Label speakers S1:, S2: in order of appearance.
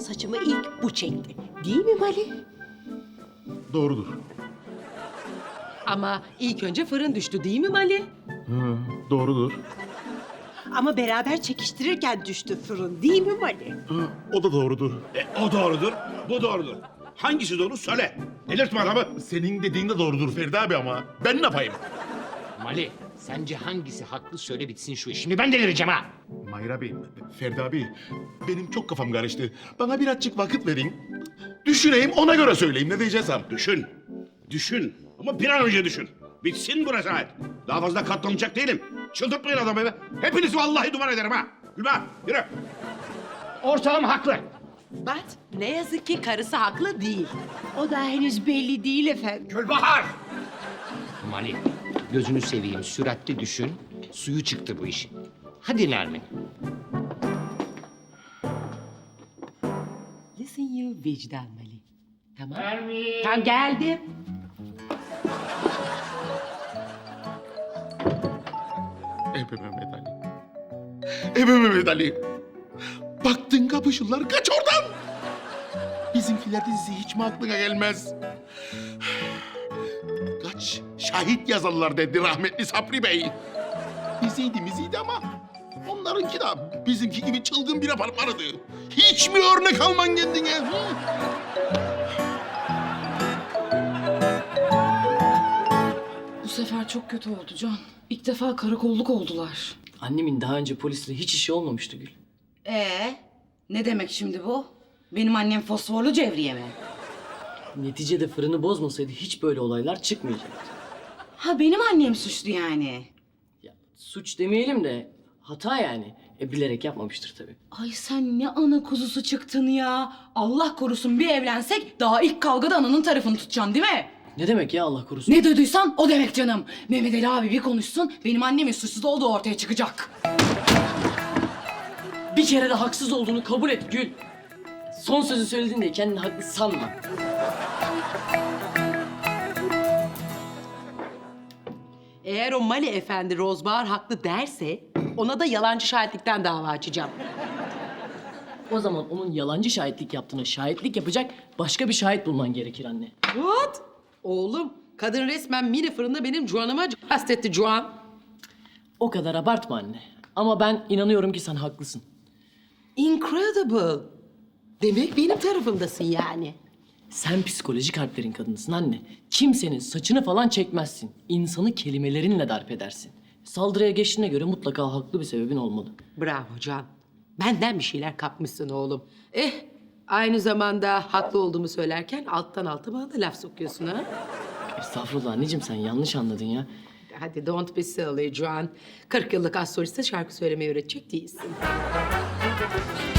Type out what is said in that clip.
S1: saçımı ilk bu çekti. Değil mi Mali?
S2: Doğrudur.
S3: Ama ilk önce fırın düştü değil mi Mali?
S2: Hı, doğrudur.
S1: Ama beraber çekiştirirken düştü fırın. Değil mi Mali?
S2: Hı, o da doğrudur.
S4: O doğrudur, bu doğrudur. Hangisi doğru söyle. Delirtme adamı.
S2: Senin dediğin de doğrudur Ferdi abi ama ben ne yapayım?
S5: Mali, sence hangisi haklı söyle bitsin şu iş. Şimdi ben delireceğim ha.
S2: Mahir abi, Ferdi abi benim çok kafam karıştı. Bana birazcık vakit verin. Düşüneyim ona göre söyleyeyim ne diyeceksem.
S4: Düşün, düşün. Ama bir an önce düşün. Bitsin bu rezalet. Daha fazla katlanacak değilim. Çıldırtmayın adamı be. Hepinizi vallahi duman ederim ha. Gülma, yürü.
S5: Ortağım haklı.
S3: Bat, ne yazık ki karısı haklı değil.
S1: O da henüz belli değil efendim.
S5: Gülbahar! Mali, gözünü seveyim, süratli düşün. Suyu çıktı bu işin. Hadi Nermin.
S3: Listen you vicdan Mali. Tamam. Tamam geldim.
S2: Ebe Mehmet Ali. Ebe Mehmet Ali. Baktın kapışırlar kaç oradan. Bizimkiler dizisi hiç mi aklına gelmez? Kaç şahit yazarlar dedi rahmetli Sabri Bey. Biziydi ama onlarınki de bizimki gibi çılgın bir apartmanıydı. Hiç mi örnek alman kendine? Hı?
S6: Bu sefer çok kötü oldu Can. İlk defa karakolluk oldular.
S7: Annemin daha önce polisle hiç işi olmamıştı Gül.
S6: Ne demek şimdi bu? Benim annem fosforlu cevriye mi?
S7: Neticede fırını bozmasaydı hiç böyle olaylar çıkmayacaktı.
S6: Ha benim annem suçlu yani.
S7: Ya, suç demeyelim de hata yani. Bilerek yapmamıştır tabii.
S6: Ay sen ne ana kuzusu çıktın ya. Allah korusun bir evlensek daha ilk kavgada ananın tarafını tutacaksın değil mi?
S7: Ne demek ya Allah korusun?
S6: Ne duyduysan o demek canım. Mehmet Ali abi bir konuşsun benim annemin suçsuz olduğu ortaya çıkacak.
S7: Bir kere de haksız olduğunu kabul et Gül. Son sözü söyledin diye kendini haklı sanma.
S3: Eğer o Mali efendi Rozbahar haklı derse ona da yalancı şahitlikten dava açacağım.
S7: O zaman onun yalancı şahitlik yaptığına şahitlik yapacak başka bir şahit bulman gerekir anne.
S3: What? Oğlum, kadın resmen mini fırında benim Juan'ıma kastetti Juan.
S7: O kadar abartma anne. Ama ben inanıyorum ki sen haklısın.
S3: Incredible. Demek benim tarafımdasın yani.
S7: Sen psikolojik harplerin kadınısın anne. Kimsenin saçını falan çekmezsin. İnsanı kelimelerinle darp edersin. Saldırıya geçtiğine göre mutlaka haklı bir sebebin olmalı.
S3: Bravo Can. Benden bir şeyler kapmışsın oğlum. Aynı zamanda haklı olduğumu söylerken alttan alta bana da laf sokuyorsun ha.
S7: Estağfurullah anneciğim sen yanlış anladın ya.
S3: Hadi don't be silly Juan. 40 yıllık astroliste şarkı söylemeyi öğretecek değilsin.